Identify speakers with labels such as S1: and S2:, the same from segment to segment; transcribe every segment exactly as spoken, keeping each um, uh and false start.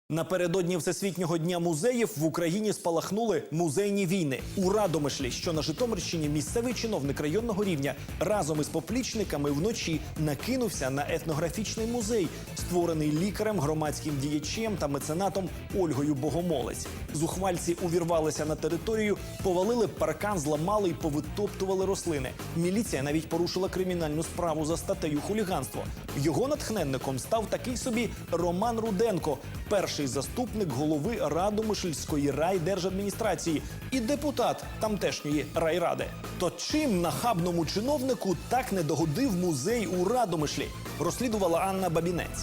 S1: Напередодні Всесвітнього дня музеїв в Україні спалахнули музейні війни. У Радомишлі, що на Житомирщині, місцевий чиновник районного рівня разом із поплічниками вночі накинувся на етнографічний музей, створений лікарем, громадським діячем та меценатом Ольгою Богомолець. Зухвальці увірвалися на територію, повалили паркан, зламали і повитоптували рослини. Міліція навіть порушила кримінальну справу за статтею хуліганство. Його натхненником став такий собі Роман Руденко, перший заступник голови Радомишльської райдержадміністрації і депутат тамтешньої райради. То чим нахабному чиновнику так не догодив музей у Радомишлі? Розслідувала Анна Бабінець.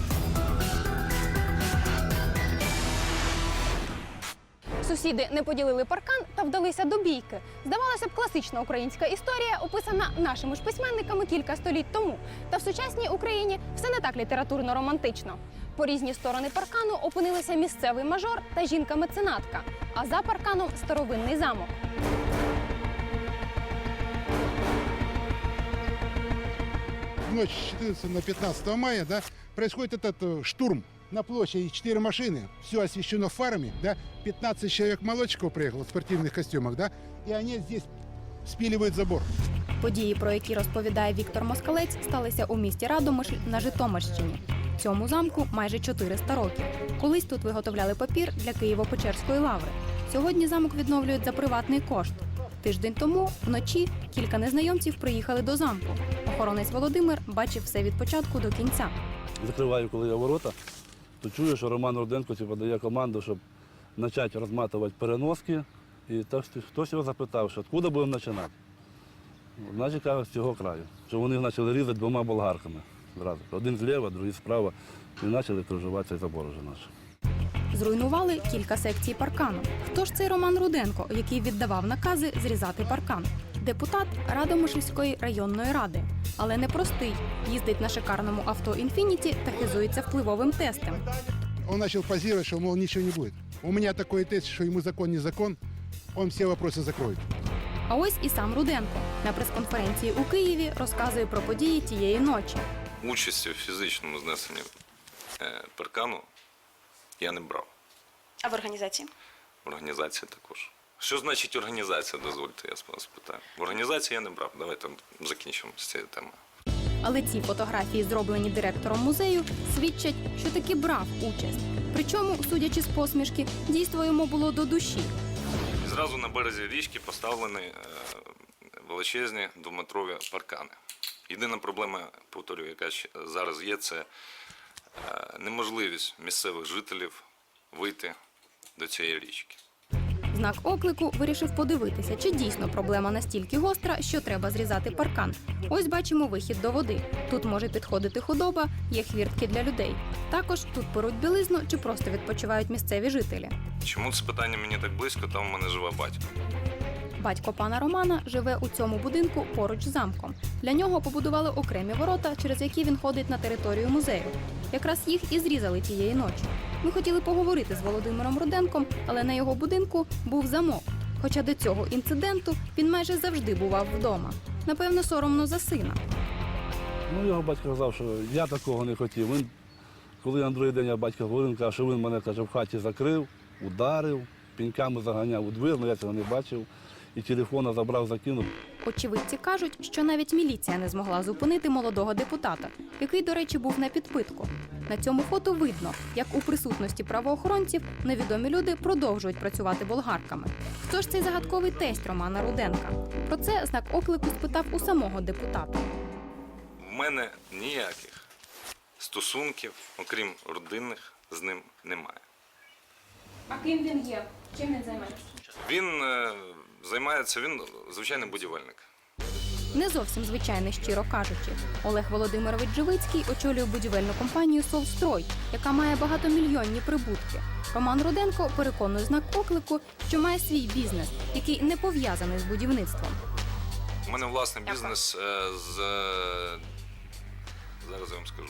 S2: Сусіди не поділили паркан та вдалися до бійки. Здавалося б, класична українська історія, описана нашими ж письменниками кілька століть тому. Та в сучасній Україні все не так літературно-романтично. По різні сторони паркану опинилися місцевий мажор та жінка-меценатка, а за парканом – старовинний замок.
S3: В ночь с четырнадцатого на пятнадцатое мая, да, происходит этот э, штурм. На площади четыре машины, все освещено фарами, да, пятнадцать человек молодчиков приехало в спортивных костюмах, да, и они здесь спиливают забор.
S2: Події, про які розповідає Віктор Москалець, сталися у місті Радомишль на Житомирщині. Цьому замку майже чотириста років. Колись тут виготовляли папір для Києво-Печерської лаври. Сьогодні замок відновлюють за приватний кошт. Тиждень тому, вночі, кілька незнайомців приїхали до замку. Охоронець Володимир бачив все від початку до кінця.
S4: Закриваю, коли я ворота, то чую, що Роман Руденко типу, дає команду, щоб почати розматувати переноски. І так, хтось його запитав, що откуда будемо починати. Значить, кажуть, з цього краю. Що вони почали різати двома болгарками. Зразу. Один зліва, другий справа. І почали кружувати цей забор вже наш.
S2: Зруйнували кілька секцій паркану. Хто ж цей Роман Руденко, який віддавав накази зрізати паркан? Депутат Радомишльської районної ради. Але не простий. Їздить на шикарному авто «Інфініті» та хизується впливовим тестем.
S3: Он начал позировать, что, мол, ничего не будет. У меня такой тест, что ему закон не закон, он все вопросы закроет.
S2: А ось і сам Руденко. На прес-конференції у Києві розказує про події тієї ночі.
S5: Участі в фізичному знесенні е, паркану я не брав.
S6: А в організації?
S5: В організації також. Що значить організація, дозвольте, я спитаю. В організації я не брав. Давайте закінчимо з цією темою.
S2: Але ці фотографії, зроблені директором музею, свідчать, що таки брав участь. Причому, судячи з посмішки, дійство йому було до душі.
S5: І зразу на березі річки поставлені е, величезні двометрові паркани. Єдина проблема, повторюю, яка ще зараз є, це е, неможливість місцевих жителів вийти до цієї річки.
S2: Знак оклику вирішив подивитися, чи дійсно проблема настільки гостра, що треба зрізати паркан. Ось бачимо вихід до води. Тут може підходити худоба, є хвіртки для людей. Також тут перуть білизну чи просто відпочивають місцеві жителі.
S5: Чому це питання мені так близько? Там у мене живе батько.
S2: Батько пана Романа живе у цьому будинку поруч з замком. Для нього побудували окремі ворота, через які він ходить на територію музею. Якраз їх і зрізали тієї ночі. Ми хотіли поговорити з Володимиром Руденком, але на його будинку був замок. Хоча до цього інциденту він майже завжди бував вдома. Напевно, соромно за сина.
S4: Ну, його батько казав, що я такого не хотів. Він, коли на другий день я батька говорив, він каже, що він мене каже, в хаті закрив, ударив, піньками заганяв у двір, але я цього не бачив. І телефона забрав, закинув.
S2: Очевидці кажуть, що навіть міліція не змогла зупинити молодого депутата, який, до речі, був на підпитку. На цьому фото видно, як у присутності правоохоронців невідомі люди продовжують працювати болгарками. Хто ж цей загадковий тесть Романа Руденка? Про це знак оклику спитав у самого депутата.
S5: В мене ніяких стосунків, окрім родинних, з ним немає.
S2: А ким він є? Чим він займається?
S5: Він е, займається, він звичайний будівельник.
S2: Не зовсім звичайний, щиро кажучи. Олег Володимирович Живицький очолює будівельну компанію «Солстрой», яка має багатомільйонні прибутки. Роман Руденко переконує знак оклику, що має свій бізнес, який не пов'язаний з будівництвом.
S5: У мене власний бізнес е, з, зараз я вам скажу,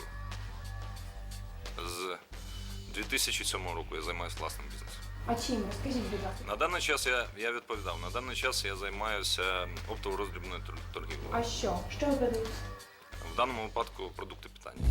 S5: з дві тисячі сьомого року я займаюся власним бізнесом.
S2: А чим? Розкажіть, будь ласка.
S5: На даний час я, я відповідав, на даний час я займаюся оптово-роздрібною торгівлею.
S2: А що? Що ви продаєте?
S5: В даному випадку продукти питання.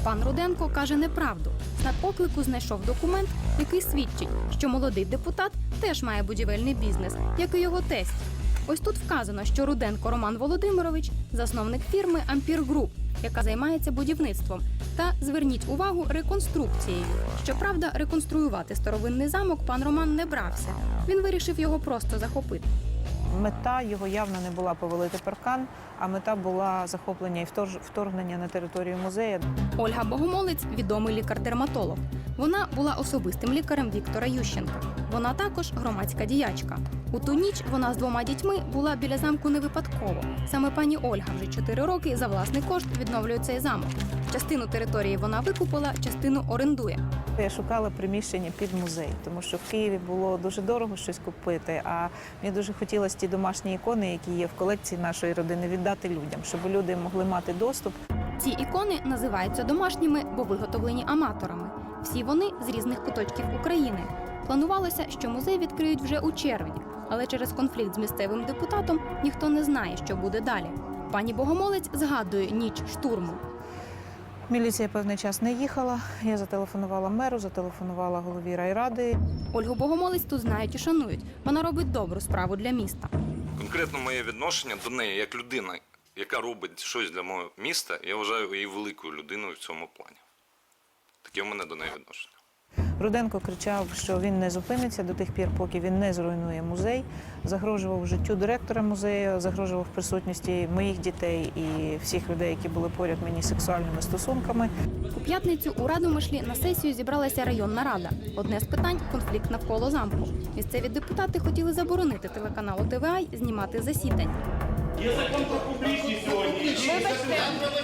S2: Пан Руденко каже неправду. На оклику знайшов документ, який свідчить, що молодий депутат теж має будівельний бізнес, як і його тесть. Ось тут вказано, що Руденко Роман Володимирович – засновник фірми «Ампір Груп», яка займається будівництвом. Та, зверніть увагу, реконструкцією. Щоправда, реконструювати старовинний замок пан Роман не брався. Він вирішив його просто захопити.
S6: Мета його явно не була повалити паркан, а мета була захоплення і вторгнення на територію музею.
S2: Ольга Богомолець – відомий лікар-дерматолог. Вона була особистим лікарем Віктора Ющенка. Вона також громадська діячка. У ту ніч вона з двома дітьми була біля замку не випадково. Саме пані Ольга вже чотири роки за власний кошт відновлює цей замок. Частину території вона викупила, частину орендує.
S6: Я шукала приміщення під музей, тому що в Києві було дуже дорого щось купити, а мені дуже хотілося ті домашні ікони, які є в колекції нашої родини, віддати людям, щоб люди могли мати доступ.
S2: Ці ікони називаються домашніми, бо виготовлені аматорами. Всі вони з різних куточків України. Планувалося, що музей відкриють вже у червні, але через конфлікт з місцевим депутатом ніхто не знає, що буде далі. Пані Богомолець згадує ніч штурму.
S6: Міліція певний час не їхала, я зателефонувала меру, зателефонувала голові райради.
S2: Ольгу Богомолець тут знають і шанують. Вона робить добру справу для міста.
S5: Конкретно моє відношення до неї як людина, яка робить щось для мого міста, я вважаю її великою людиною в цьому плані. Таке в мене до неї відношення.
S6: Руденко кричав, що він не зупиниться до тих пір, поки він не зруйнує музей, загрожував життю директора музею, загрожував присутності моїх дітей і всіх людей, які були поряд мені сексуальними стосунками.
S2: У п'ятницю у Радомишлі на сесію зібралася районна рада. Одне з питань – конфлікт навколо замку. Місцеві депутати хотіли заборонити телеканалу Т В А знімати засідання.
S7: Є закон про публічність сьогодні.
S2: Вибачте,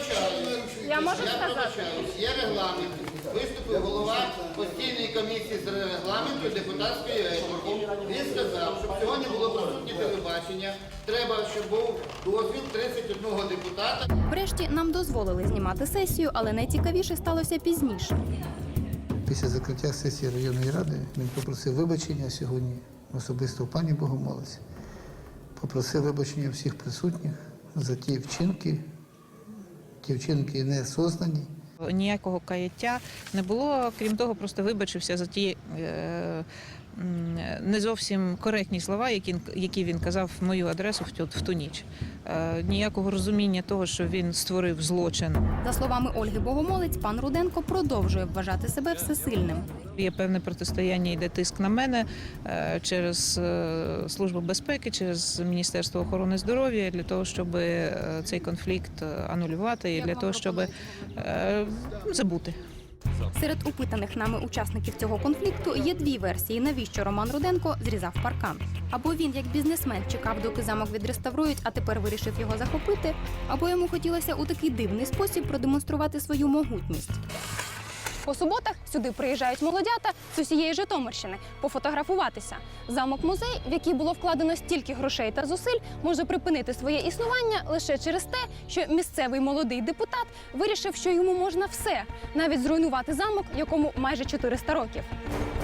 S2: я можу сказати?
S8: Є регламент. Виступив голова постійної комісії з регламенту депутатської етики. Він сказав, щоб сьогодні було присутнє телебачення, треба, щоб був дозвіл тридцять одного депутата.
S2: Врешті нам дозволили знімати сесію, але найцікавіше сталося пізніше.
S9: Після закриття сесії районної ради він попросив вибачення сьогодні особисто у пані Богомолець. Попросив вибачення всіх присутніх за ті вчинки, ті вчинки не сознані.
S6: Ніякого каяття не було, крім того, просто вибачився за ті е, не зовсім коректні слова, які, які він казав в мою адресу в ту, в ту ніч. Е, ніякого розуміння того, що він створив злочин.
S2: За словами Ольги Богомолець, пан Руденко продовжує вважати себе всесильним.
S6: Є певне протистояння, йде тиск на мене е, через е, Службу безпеки, через Міністерство охорони здоров'я для того, щоб е, цей конфлікт анулювати і для того, щоб е, забути.
S2: Серед опитаних нами учасників цього конфлікту є дві версії, навіщо Роман Руденко зрізав паркан. Або він, як бізнесмен, чекав, доки замок відреставрують, а тепер вирішив його захопити, або йому хотілося у такий дивний спосіб продемонструвати свою могутність. По суботах сюди приїжджають молодята з усієї Житомирщини пофотографуватися. Замок-музей, в який було вкладено стільки грошей та зусиль, може припинити своє існування лише через те, що місцевий молодий депутат вирішив, що йому можна все, навіть зруйнувати замок, якому майже чотириста років.